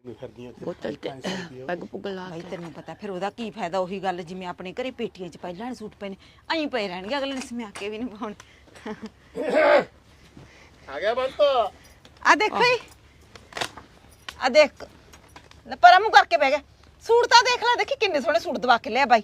ਬੋਤਲ ਤੇ ਪੈਗ ਪੁੱਗ ਲਾ ਭਾਈ ਤੈਨੂੰ ਪਤਾ ਫਿਰ ਉਹਦਾ ਕੀ ਫਾਇਦਾ ਉਹੀ ਗੱਲ ਜਿਵੇਂ ਆਪਣੇ ਘਰੇ ਪੇਟੀਆਂ 'ਚ ਪਹਿਲਾਂ ਸੂਟ ਪਏ ਨੇ ਐਂ ਪਏ ਰਹਿਣਗੇ ਅਗਲੇ ਨੇ ਸਮਿਆ ਕੇ ਵੀ ਨਹੀਂ ਪਾਉਣੇ ਆ ਗਿਆ ਬੰਤ ਆ ਦੇਖੋ ਜੀ ਆ ਦੇਖ ਲੈ ਪਰਾਂ ਮੂੰਹ ਕਰਕੇ ਬਹਿ ਗਿਆ ਸੂਟ ਤਾਂ ਦੇਖ ਲੈ ਦੇਖੀ ਕਿੰਨੇ ਸੋਹਣੇ ਸੂਟ ਦਵਾ ਕੇ ਲਿਆ ਬਾਈ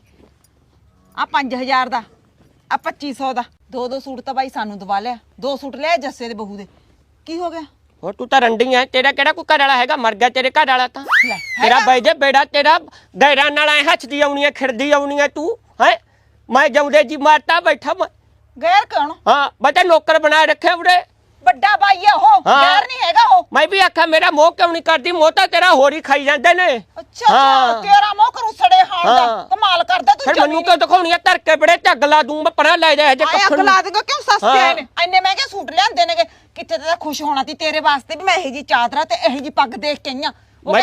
ਆ 5000 ਦਾ ਆ 2500 ਦਾ ਦੋ ਸੂਟ ਤਾਂ ਬਾਈ ਸਾਨੂੰ ਦਵਾ ਲਿਆ ਦੋ ਸੂਟ ਲਿਆ ਜੱਸੇ ਦੇ ਬਹੂ ਦੇ ਕੀ ਹੋ ਗਿਆ ਹੋਰ ਤੂੰ ਤਾਂ ਰੰਡੀ ਐ ਤੇਰਾ ਕਿਹੜਾ ਕੋਈ ਘਰ ਵਾਲਾ ਹੈਗਾ ਮਰ ਗਿਆ ਤੇਰੇ ਘਰ ਵਾਲਾ ਤਾਂ ਲੈ ਤੇਰਾ ਬਾਈ ਜੇ ਬੇੜਾ ਤੇਰਾ ਗੈਰਾਂ ਨਾਲ ਐ ਹੱਥਦੀ ਆਉਣੀ ਐ ਖਿਰਦੀ ਆਉਣੀ ਐ ਤੂੰ ਹੈ ਮੈਂ ਜਾਉਂਦੇ ਜੀ ਮਾਰਤਾ ਬੈਠਾ ਮੈਂ ਗੈਰ ਕੌਣ ਹਾਂ ਬਤਾ ਨੌਕਰ ਬਣਾ ਰੱਖਿਆ ਉਰੇ ਵੱਡਾ ਬਾਈ ਆ ਉਹ ਗੈਰ ਨਹੀਂ ਹੈਗਾ ਉਹ ਮੈਂ ਵੀ ਆਖਿਆ ਮੇਰਾ ਮੋਹ ਕਿਉਂ ਨਹੀਂ ਕਰਦੀ ਮੋਹ ਤਾਂ ਤੇਰਾ ਹੋਰ ਹੀ ਖਾਈ ਜਾਂਦੇ ਨੇ ਅੱਛਾ ਤੇਰਾ ਮੋਹ ਕਰੂ ਸੜੇ ਹਾਲ ਦਾ ਕਮਾਲ ਕਰਦਾ ਤੂੰ ਫਿਰ ਮੈਨੂੰ ਕਿਉਂ ਦਿਖਾਉਣੀ ਆ ਧਰ ਕੇ ਬੜੇ ਝੱਗ ਲਾ ਦੂੰ ਮੈਂ ਪਰਾਂ ਲੈ ਜਾ ਜੇ ਅੱਗ ਲਾ ਦੇਗਾ ਕਿਉਂ ਸਸਤੇ ਆਏ ਨੇ ਇੰਨੇ ਮਹਿੰਗੇ ਸੂਟ ਲਿਆਂਦੇ ਨੇਗੇ ਕਿੱਥੇ ਤਾਂ ਖੁਸ਼ ਹੋਣਾ ਸੀ ਤੇਰੇ ਵਾਸਤੇ ਵੀ ਮੈਂ ਇਹੋ ਜੀ ਚਾਦਰਾ ਤੇ ਇਹੋ ਜੀ ਪੱਗ ਦੇਖ ਕੇ ਆਈਆਂ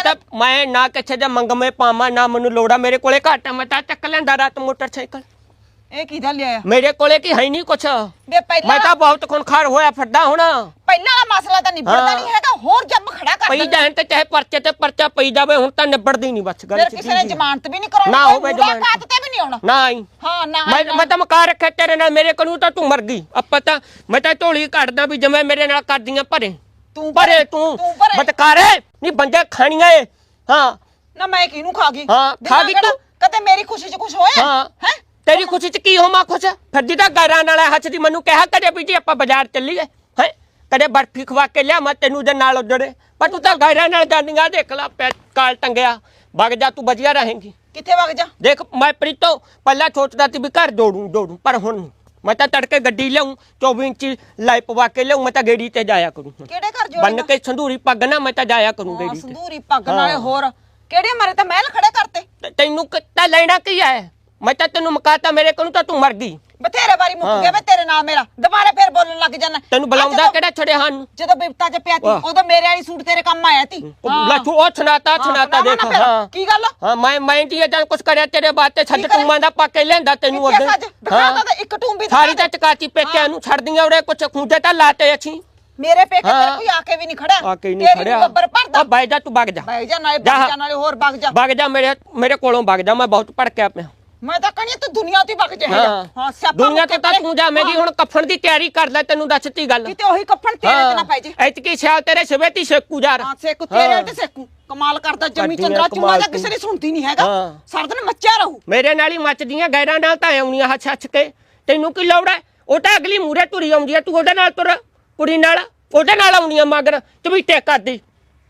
ਮੈਂ ਨਾ ਕਿੱਥੇ ਦੇ ਮੰਗਮੇ ਪਾਵਾਂ ਨਾ ਮੈਨੂੰ ਲੋੜਾ ਮੇਰੇ ਕੋਲੇ ਘੱਟ ਆ ਮੈਂ ਤਾਂ ਚੱਕ ਲੈਂਦਾ ਰਾਤ ਮੋਟਰਸਾਈਕਲ ਇਹ ਕਿਹਦਾ ਲਿਆਇਆ ਮੇਰੇ ਕੋਲੇ ਕੀ ਹੈ ਨਹੀਂ ਕੁਛ ਵੇ ਪਹਿਲਾਂ ਮੈਂ ਤਾਂ ਬਹੁਤ ਖੁਨਖਾਰ ਹੋਇਆ ਫਿਰਦਾ ਹੁਣ ਪਹਿਲਾਂ ਵਾਲਾ ਮਸਲਾ ਤਾਂ ਨਿਬੜਦਾ ਨਹੀਂ ਹੈਗਾ ਹੋਰ ਜੰਮ ਖੜਾ ਕਰ ਪਈ ਜਾਣ ਤੇ ਚਾਹੇ ਪਰਚੇ ਤੇ ਪਰਚਾ ਪਈ ਜਾਵੇ ਹੁਣ ਤਾਂ ਨਿਬੜਦੀ ਨਹੀਂ ਬਸ ਗੱਲ ਫਿਰ ਕਿਸੇ ਨੇ ਜ਼ਮਾਨਤ ਵੀ ਨਹੀਂ ਕਰਾਉਣੀ ਨਾ ਹੋਵੇ ਜ਼ਮਾਨਤ ਤੇ ਵੀ ਨਹੀਂ ਆਉਣਾ ਨਾ ਹੀ ਹਾਂ ਨਾ ਮੈਂ ਤਾਂ ਮਕਾ ਰੱਖਿਆ ਤੇਰੇ ਨਾਲ ਮੇਰੇ ਕੋਲ ਤਾਂ ਤੂੰ ਮਰ ਗਈ ਆਪਾਂ ਤਾਂ ਮੈਂ ਤਾਂ ਢੋਲੀ ਕੱਢਦਾ ਵੀ ਜਿਵੇਂ ਮੇਰੇ ਨਾਲ ਕਰਦੀਆਂ ਭਰੇ ਤੂੰ ਭਰੇ ਤੂੰ ਬਤਕਾਰੇ ਨਹੀਂ ਬੰਦੇ ਖਾਣੀਆਂ ਏ ਹਾਂ ਨਾ ਮੈਂ ਕਿਹਨੂੰ ਖਾ ਗਈ ਹਾਂ ਖਾ ਗਈ ਤੂੰ ਕਦੇ ਮੇਰੀ ਖੁਸ਼ੀ 'ਚ ਕੁਝ ਹੋਇਆ ਹੈ ਤੇਰੀ ਖੁਸ਼ੀ 'ਚ ਕੀ ਹੋਵਾਂ ਖੁਸ਼ ਫਿਰਦੀ ਤਾਂ ਗਾਰਾਂ ਨਾਲ ਹੱਥ ਦੀ ਮੈਨੂੰ ਕਿਹਾ ਕਦੇ ਵੀ ਜੀ ਆਪਾਂ ਬਾਜ਼ਾਰ ਚੱਲੀਏ ਹੈ ਕਦੇ ਬਰਫੀ ਖਵਾ ਕੇ ਲਿਆ ਮੈਂ ਤੈਨੂੰ ਦੇ ਨਾਲ ਉਧੜੇ ਪਰ ਤੂੰ ਤਾਂ ਗਾਰਾਂ ਨਾਲ ਜਾਂਦੀਆਂ ਦੇਖ ਲਾ ਕਾਲ ਟੰਗਿਆ ਵਗ ਜਾ ਤੂੰ ਵਧੀਆ ਰਹੇਂਗੀ ਕਿੱਥੇ ਵਗ ਜਾ ਦੇਖ ਮੈਂ ਪ੍ਰੀਤੋ ਪਹਿਲਾਂ ਸੋਚਦਾ ਸੀ ਵੀ ਘਰ ਜੋੜੂ ਪਰ ਹੁਣ ਨਹੀਂ ਮੈਂ ਤਾਂ ਤੜਕੇ ਗੱਡੀ ਲਿਆਉਂ 24 ਇੰਚੀ ਲਾਈ ਪਵਾ ਕੇ ਲਿਆਉਂ ਮੈਂ ਤਾਂ ਗੇੜੀ ਤੇ ਜਾਇਆ ਕਰੂੰ ਕਿਹੜੇ ਘਰ ਜੋੜੇਗਾ ਬੰਨ ਕੇ ਸੰਧੂਰੀ ਪੱਗ ਨਾ ਮੈਂ ਤਾਂ ਜਾਇਆ ਕਰੂੰ ਗੇੜੀ ਤੇ ਸੰਧੂਰੀ ਪੱਗ ਨਾਲੇ ਹੋਰ ਕਿਹੜੇ ਮਾਰੇ ਤਾਂ ਮਹਿਲ ਖੜੇ ਕਰਤੇ ਤੈਨੂੰ ਕਿੱਤਾ ਲੈਣਾ ਕੀ ਹੈ ਮੈਂ ਤਾਂ ਤੈਨੂੰ ਮਕਾਤਾ ਮੇਰੇ ਕੋਲ ਤਾਂ ਤੂੰ ਮਰ ਗਈ ਬਥੇਰੇ ਵਾਰੀ ਮੁੱਕ ਗਿਆ ਵੇ ਤੇਰੇ ਨਾਲ ਮੇਰਾ ਦੁਬਾਰਾ ਫੇਰ ਬੋਲਣ ਲੱਗ ਜਾਣਾ ਤੈਨੂੰ ਬੁਲਾਉਂਦਾ ਕਿਹੜਾ ਛੜਿਆ ਹਨ ਜਦੋਂ ਬਿਪਤਾ ਚ ਪਿਆ ਤੀ ਉਦੋਂ ਮੇਰੇ ਵਾਲੀ ਸੂਟ ਤੇਰੇ ਕੰਮ ਆਇਆ ਤੀ ਲੱਛੂ ਉਹ ਛਨਾਤਾ ਦੇਖ ਹਾਂ ਕੀ ਗੱਲ ਹਾਂ ਮੈਂ ਜੀ ਜਾਂ ਕੁਛ ਕਰਿਆ ਤੇਰੇ ਬਾਤ ਤੇ ਛੱਡ ਟੂਮਾਂ ਦਾ ਪਾ ਕੇ ਲੈਂਦਾ ਤੈਨੂੰ ਅੱਗੇ ਹਾਂ ਇੱਕ ਟੂੰਬੀ ਸਾਰੀ ਤਾਂ ਚਕਾਤੀ ਪੇਕਿਆਂ ਨੂੰ ਛੱਡਦੀਆਂ ਉਰੇ ਕੁਛ ਖੂੰਜੇ ਤਾਂ ਲਾਤੇ ਅੱਛੀ ਮੇਰੇ ਪੇਕੇ ਤੇ ਕੋਈ ਆ ਕੇ ਵੀ ਨਹੀਂ ਖੜਾ ਆ ਕੇ ਨਹੀਂ ਖੜਿਆ ਬੱਬਰ ਭਰਦਾ ਬਾਈ ਜਾ ਤੂੰ ਵਗ ਜਾ ਬਾਈ ਜਾ ਨਾਲੇ ਹੋਰ ਵਗ ਜਾ ਮੇਰੇ ਕੋਲੋਂ ਵਗ ਜਾ ਮੈਂ ਬਹੁਤ ਭੜਕਿਆ ਪਿਆ ਮੈਂ ਤਾਂ ਕਹਿੰਦੀ ਤੂੰ ਦੁਨੀਆ ਤੇ ਵਗ ਜਾ ਹਾਂ ਦੁਨੀਆ ਤੇ ਤਾਂ ਤੂੰ ਜਾਵੇਂਗੀ ਹੁਣ ਕੱਫਣ ਦੀ ਤਿਆਰੀ ਕਰ ਲੈ ਤੈਨੂੰ ਦੱਸਤੀ ਗੱਲ ਕਿਤੇ ਉਹੀ ਕੱਫਣ ਤੇਰੇ ਤੇ ਨਾ ਪੈ ਜੇ ਐਤਕੀ ਸਿਆਲ ਤੇਰੇ ਸਵੇਤੀ ਸੇਕੂ ਯਾਰ ਹਾਂ ਸੇਕੂ ਤੇਰੇ ਤੇ ਸੇਕੂ ਕਮਾਲ ਕਰਦਾ ਜਮੀ ਚੰਦਰਾ ਚੁੰਮਾ ਦਾ ਕਿਸੇ ਨੇ ਸੁਣਦੀ ਨਹੀਂ ਹੈਗਾ ਸਾਰਾ ਦਿਨ ਮੱਚਿਆ ਰਹੂ ਮੇਰੇ ਨਾਲ ਹੀ ਮੱਚਦੀਆਂ ਗੈਰਾਂ ਨਾਲ ਤਾਂ ਆਉਣੀਆਂ ਹੱਛ ਕੇ ਤੈਨੂੰ ਕੀ ਲੋੜ ਹੈ ਉਹ ਤਾਂ ਅਗਲੀ ਮੂਰੇ ਤੁਰੀ ਆਉਂਦੀ ਹੈ ਤੂੰ ਉਹਦੇ ਨਾਲ ਤੁਰ ਕੁੜੀ ਨਾਲ ਉਹਦੇ ਨਾਲ ਆਉਣੀਆਂ ਮਗਰ ਚਵੀਟੇ ਕਰਦੀ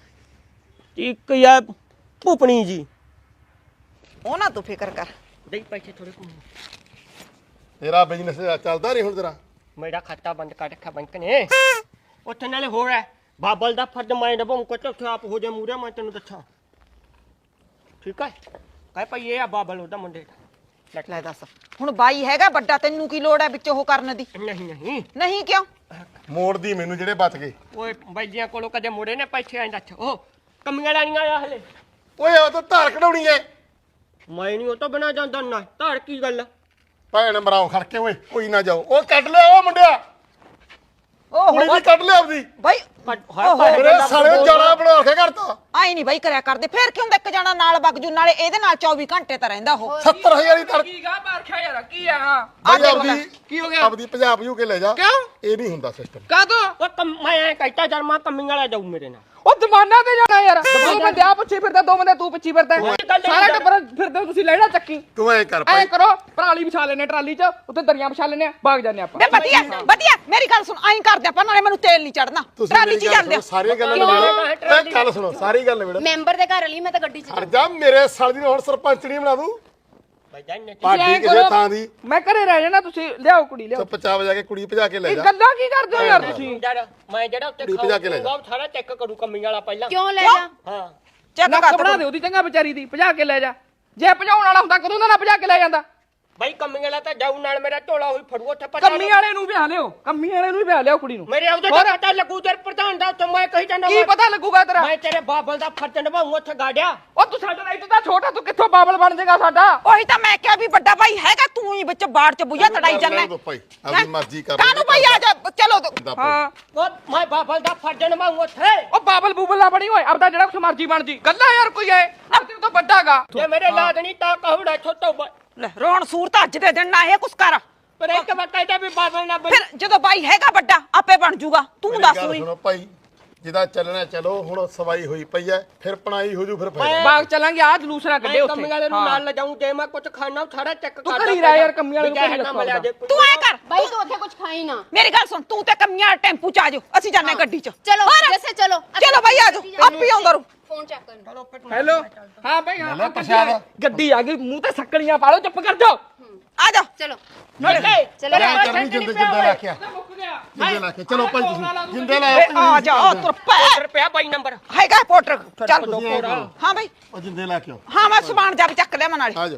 ਇੱਕ ਯਾ ਭੁਪਣੀ ਜੀ ਉਹ ਨਾ ਤੂੰ ਫਿਕਰ ਕਰ ਦੇਈ ਪੈਸੇ ਥੋੜੇ ਕੋ ਤੇਰਾ ਬਿਜ਼ਨਸ ਚੱਲਦਾ ਨਹੀਂ ਹੁਣ ਤੇਰਾ ਮੇਰਾ ਖਾਤਾ ਬੰਦ ਕਰ ਰੱਖਿਆ ਬੈਂਕ ਨੇ ਉੱਥੇ ਨਾਲੇ ਹੋਰ ਹੈ ਬਾਬਲ ਦਾ ਫਰਜ਼ ਮੈਂ ਨਿਭਾਉਂ ਕੁਛ ਉੱਥੇ ਆਪ ਹੋ ਜਾ ਮੂਰੇ ਮੈਂ ਤੈਨੂੰ ਦੱਸਾਂ ਠੀਕ ਹੈ ਕਹਿ ਪਈ ਇਹ ਆ ਬਾਬਲ ਉਹਦਾ ਮੁੰਡੇ ਦਾ ਲੈ ਦੱਸ ਹੁਣ ਬਾਈ ਹੈਗਾ ਵੱਡਾ ਤੈਨੂੰ ਕੀ ਲੋੜ ਹੈ ਵਿੱਚ ਉਹ ਕਰਨ ਦੀ ਨਹੀਂ ਕਿਉਂ ਮੋੜ ਦੀ ਮੈਨੂੰ ਜਿਹੜੇ ਬਚ ਗਏ ਓਏ ਬਾਈਆਂ ਕੋਲੋਂ ਕਦੇ ਮੋੜੇ ਨੇ ਪੈਸੇ ਆਂਦਾ ਅੱਛਾ ਉਹ ਕਮੀਆਂ ਲਾਣੀਆਂ ਆ ਹਲੇ ਓਏ ਉਹ ਤਾਂ ਧਾਰ ਕਢਾਉਣੀ ਐ ਮੈਂ ਨਹੀਂ ਉਹ ਤੋਂ ਬਿਨਾ ਜਾਂਦਾ ਨਾ ਧਾਰ ਕੀ ਗੱਲ ਭੈਣ ਮਰਾਓ ਖੜਕੇ ਓਏ ਕੋਈ ਨਾ ਜਾਓ ਉਹ ਕੱਢ ਲਿਆ ਉਹ ਮੁੰਡਿਆ ਕੁੜੀ ਵੀ ਕੱਢ ਲਿਆ ਆਪਦੀ ਬਾਈ ਮੇਰੇ ਸਾਲੇ ਜਾਣਾ ਬਣਾ ਕੇ ਕਰਤਾ ਆਈ ਨਹੀਂ ਬਾਈ ਕਰਿਆ ਕਰਦੇ ਫੇਰ ਕਿਉਂ ਇੱਕ ਜਾਣਾ ਨਾਲ ਬਗਜੂ ਨਾਲੇ ਇਹਦੇ ਨਾਲ 24 ਘੰਟੇ ਤਾਂ ਰਹਿੰਦਾ ਉਹ 70000 ਦੀ ਤੜ ਕੀ ਗਾ ਬਾਰਖਿਆ ਯਾਰ ਕੀ ਆ ਆਪਦੀ ਕੀ ਹੋ ਗਿਆ ਆਪਦੀ ਪੰਜਾਬ ਯੂ ਕੇ ਲੈ ਜਾ ਕਿਉਂ ਇਹ ਨਹੀਂ ਹੁੰਦਾ ਸਿਸਟਮ ਕਾਦੋਂ ਉਹ ਮੈਂ ਕਹਿਤਾ ਜਰਮਾ ਕਮੀਆਂ ਵਾਲਾ ਜਾਊ ਮੇਰੇ ਨਾਲ ਉਹ ਜ਼ਮਾਨਾ ਤੇ ਜਾਣਾ ਯਾਰ ਦੋ ਬੰਦੇ ਆ ਪਿੱਛੇ ਫਿਰਦਾ ਦੋ ਬੰਦੇ ਤੂੰ ਪਿੱਛੇ ਫਿਰਦਾ ਸਾਰਾ ਟੱਬਰ ਫਿਰਦੇ ਤੁਸੀਂ ਲੈਣਾ ਚੱਕੀ ਤੂੰ ਐ ਕਰ ਐ ਭਾਈ ਕਰੋ ਪਰਾਲੀ ਵਿਛਾ ਲੈਨੇ ਟਰਾਲੀ 'ਚ ਉੱਤੇ ਦਰੀਆਂ ਵਿਛਾ ਲੈਨੇ ਭਾਗ ਜਾਂਦੇ ਆਪਾਂ ਵੇ ਵਧੀਆ ਮੇਰੀ ਗੱਲ ਸੁਣ ਐਂ ਕਰਦੇ ਆਪਾਂ ਨਾਲੇ ਮੈਨੂੰ ਤੇਲ ਨਹੀਂ ਚੜਨਾ ਟਰਾਲੀ 'ਚ ਜਾਂਦੇ ਸਾਰੀਆਂ ਗੱਲਾਂ ਨਿਬੇੜੋ ਗੱਲ ਸੁਣੋ ਸਾਰੀ ਗੱਲ ਨਿਬੇੜੋ ਮੈਂਬਰ ਦੇ ਘਰ ਲਈ ਮੈਂ ਤਾਂ ਗੱਡੀ 'ਚ ਹਟ ਜਾ ਮੇਰੇ ਸਾਲ ਦੀ ਹੁਣ ਸਰਪੰਚਣੀ ਬਣਾ ਦੂੰ ਬਾਈ ਪਾਰਟੀ ਕਿਸੇ ਥਾਂ ਦੀ ਮੈਂ ਘਰੇ ਰਹਿ ਜਾਣਾ ਤੁਸੀਂ ਲਿਆਓ ਕੁੜੀ ਲਿਆਓ ਚੁੱਪ ਚਾਪ ਜਾ ਕੇ ਕੁੜੀ ਭਜਾ ਕੇ ਲੈ ਇਹ ਜਾ ਗੱਲਾਂ ਕੀ ਕਰਦੇ ਹੋ ਯਾਰ ਤੁਸੀਂ ਯਾਰ ਮੈਂ ਜਿਹੜਾ ਉੱਤੇ ਭਜਾ ਕੇ ਲੈ ਜਾ। ਖਾਊਗਾ ਸਾਰਾ ਚੈੱਕ ਕਰੂ ਕਮੀਆਂ ਵਾਲਾ ਪਹਿਲਾਂ ਕਿਉਂ ਲੈ ਜਾ ਹਾਂ ਚੈੱਕ ਨੱਕ ਕਰ ਬਣਾ ਦੇ ਉਹਦੀ ਚੰਗਾ ਵਿਚਾਰੀ ਦੀ ਭਜਾ ਕੇ ਲੈ ਜਾ ਜੇ ਭਜਾਉਣ ਵਾਲਾ ਹੁੰਦਾ ਕਦੋਂ ਦਾ ਨਾ ਭਜਾ ਕੇ ਲੈ ਜਾਂਦਾ ਬਾਈ ਕੰਮੀ ਵਾਲਾ ਤਾਂ ਜਾਊ ਨਾਲ ਮੇਰਾ ਢੋਲਾ ਹੋਈ ਫੜੂ ਉੱਥੇ ਪਤਾ ਕੰਮੀ ਵਾਲੇ ਨੂੰ ਵਿਆਹ ਲਿਓ ਕੰਮੀ ਵਾਲੇ ਨੂੰ ਵੀ ਵਿਆਹ ਲਿਓ ਕੁੜੀ ਨੂੰ ਮੇਰੇ ਉਹਦੇ ਤੋਂ ਪਤਾ ਲੱਗੂ ਤੇਰੇ ਪ੍ਰਧਾਨ ਦਾ ਉੱਥੇ ਮੈਂ ਕਹੀ ਜਾਂਦਾ ਕੀ ਪਤਾ ਲੱਗੂਗਾ ਤੇਰਾ ਮੈਂ ਤੇਰੇ ਬਾਬਲ ਦਾ ਫਰਜ਼ ਨਿਭਾਉਂ ਉੱਥੇ ਗਾੜਿਆ ਉਹ ਤੂੰ ਸਾਡਾ ਰਾਈਟ ਤਾਂ ਛੋਟਾ ਤੂੰ ਕਿੱਥੋਂ ਬਾਬਲ ਬਣ ਜਾਏਗਾ ਸਾਡਾ ਉਹੀ ਤਾਂ ਮੈਂ ਕਿਹਾ ਵੀ ਵੱਡਾ ਭਾਈ ਹੈਗਾ ਤੂੰ ਹੀ ਵਿੱਚ ਬਾੜ ਚ ਬੁਈਆ ਤੜਾਈ ਜਾਂਦਾ ਦੋ ਭਾਈ ਆਪਣੀ ਮਰਜ਼ੀ ਕਰ ਕਾਹਨੂੰ ਭਾਈ ਆ ਜਾ ਚਲੋ ਹਾਂ ਉਹ ਮੈਂ ਬਾਬਲ ਦਾ ਫਰਜ਼ ਨਿਭਾਉਂ ਉੱਥੇ ਉਹ ਬਾਬਲ ਬੂਬਲ ਨਾ ਬਣੀ ਓਏ ਆਪਦਾ ਜਿਹੜਾ ਕੁਛ ਮਰਜੀ ਬਣ ਜੀ ਗੱਲਾਂ ਯਾਰ ਕੋਈ ਐ ਤੇਰੇ ਤੋਂ ਵੱਡਾਗਾ ਜੇ ਮੇਰੇ ਲਾਦਣੀ ਤਾਂ ਕਹੂੜਾ ਛੋਟੋ ਲੈ ਰੋਣ ਸੂਰਤ ਅੱਜ ਦੇ ਦਿਨ ਨਾ ਇਹ ਕੁਛ ਕਰ ਪਰ ਇੱਕ ਵਾਰ ਕਹਿੰਦਾ ਵੀ ਬਾਬਲ ਨਾ ਬਣ ਫਿਰ ਜਦੋਂ ਬਾਈ ਹੈਗਾ ਵੱਡਾ ਆਪੇ ਬਣ ਜੂਗਾ ਤੂੰ ਦੱਸ ਹੋਈ ਸੁਣੋ ਭਾਈ ਜਿਹਦਾ ਚੱਲਣਾ ਚਲੋ ਹੁਣ ਸਵਾਈ ਹੋਈ ਪਈ ਐ ਫਿਰ ਪਣਾਈ ਹੋ ਜੂ ਫਿਰ ਫਾਇਦਾ ਬਾਗ ਚੱਲਾਂਗੇ ਆ ਜਲੂਸ ਨਾ ਕੱਢੇ ਉੱਥੇ ਕੰਮੀ ਵਾਲੇ ਨੂੰ ਨਾਲ ਲਿਜਾਉਂ ਜੇ ਮੈਂ ਕੁਝ ਖਾਣਾ ਸਾਰਾ ਚੈੱਕ ਤੂੰ ਘਰੀ ਰਹਿ ਯਾਰ ਕੰਮੀ ਵਾਲੇ ਨੂੰ ਘਰੀ ਰੱਖੋ ਤੂੰ ਐ ਕਰ ਬਾਈ ਤੂੰ ਉੱਥੇ ਕੁਝ ਖਾਈ ਨਾ ਮੇਰੀ ਗੱਲ ਸੁਣ ਤੂੰ ਤੇ ਕਮੀਆਂ ਟੈਂਪੂ ਚ ਆ ਜਾਓ ਅਸੀਂ ਜਾਂਦੇ ਗੱਡੀ ਚ ਚਲੋ ਹੋਰ? ਜੈਸੇ ਚਲੋ ਚਲੋ ਬਾਈ ਆ ਜਾਓ ਆਪ ਹੀ ਆਉਂਦਾ ਰੂ ਫੋਨ ਚੈੱਕ ਕਰ ਹੈਲੋ ਹਾਂ ਭਾਈ ਹਾਂ ਲੈ ਪ੍ਰਸ਼ਾਦ। ਗੱਡੀ ਆ ਗਈ ਮੂੰਹ ਤੇ ਸੱਕੜੀਆਂ ਪਾ ਲਓ ਚੁੱਪ ਕਰ ਜਾਓ ਆ ਜਾ ਚਲੋ ਨਾਲੇ ਚਲੋ ਲੈ ਕਰਨੀ ਜਿੰਦੇ ਜਿੰਦੇ ਲਾ ਕੇ ਮੁੱਕ ਗਿਆ ਜਿੰਦੇ ਲਾ ਕੇ ਚਲੋ ਭਾਈ ਤੁਸੀਂ ਜਿੰਦੇ ਲਾ ਏ, ਆ ਜਾ ਆ ਤੁਰ ਪੈ ਰੁਪਿਆ ਬਾਈ ਨੰਬਰ ਹੈਗਾ ਪੋਟਰ ਚੱਲ ਤੁਸੀਂ ਐਂ ਕਰੋ। ਹਾਂ ਬਾਈ ਉਹ ਜਿੰਦੇ ਲਾ ਕੇ ਆਓ ਹਾਂ ਮੈਂ ਸਮਾਨ ਜਾ ਵੀ ਚੱਕ ਲਿਆ ਮੈਂ ਨਾਲੇ ਆ ਜਾਓ